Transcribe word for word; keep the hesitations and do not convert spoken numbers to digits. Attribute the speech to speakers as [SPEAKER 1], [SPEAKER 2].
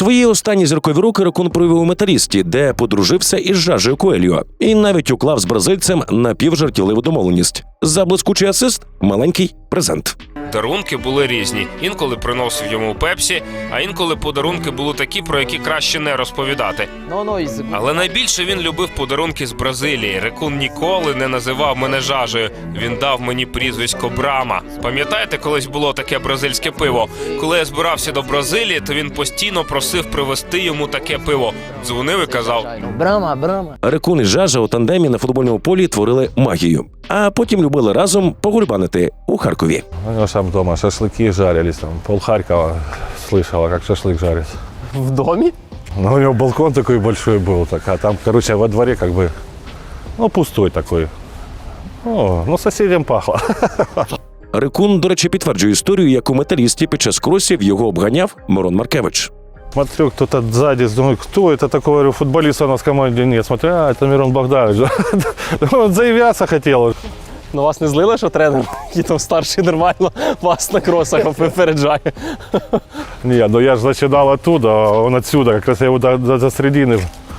[SPEAKER 1] Свої останні зіркові роки Рекун провів у «Металісті», де подружився із Жажею Коельо. І навіть уклав з бразильцем напівжартівливу домовленість. За блискучий асист – маленький презент.
[SPEAKER 2] Дарунки були різні. Інколи приносив йому пепсі, а інколи подарунки були такі, про які краще не розповідати. Але найбільше він любив подарунки з Бразилії. Рекун ніколи не називав мене Жажею. Він дав мені прізвисько Брама. Пам'ятаєте, колись було таке бразильське пиво? Коли я збирався до Бразилії, то він постійно просив привезти йому таке пиво. Дзвонив і казав:
[SPEAKER 3] Брама, Брама.
[SPEAKER 1] Рекун і Жажа у тандемі на футбольному полі творили магію. А потім любили разом погульбанити у Харкові.
[SPEAKER 4] У него там дома шашлыки жарились, там пол Харькова слышала, как шашлык жарится.
[SPEAKER 3] В домі?
[SPEAKER 4] Ну, у него балкон такой большой был, так, а там, короче, во дворе как бы, ну, пустой такой. О, ну, соседям пахло.
[SPEAKER 1] Рекун, до речі, підтверджує історію, як у «Металісті» під час кросів його обганяв Мирон Маркевич.
[SPEAKER 4] Смотрю, кто-то сзади, думаю, кто это такой, говорю, футболиста у нас в команде нет. Смотрю, а, это Мирон Богданович. Он заявляться хотел.
[SPEAKER 3] Ну вас не злили, що тренер, який там старший нормально, вас на кросах випереджає?
[SPEAKER 4] Ні, ну я ж починав оттуда, а он отсюда, как раз я его до, до, до середины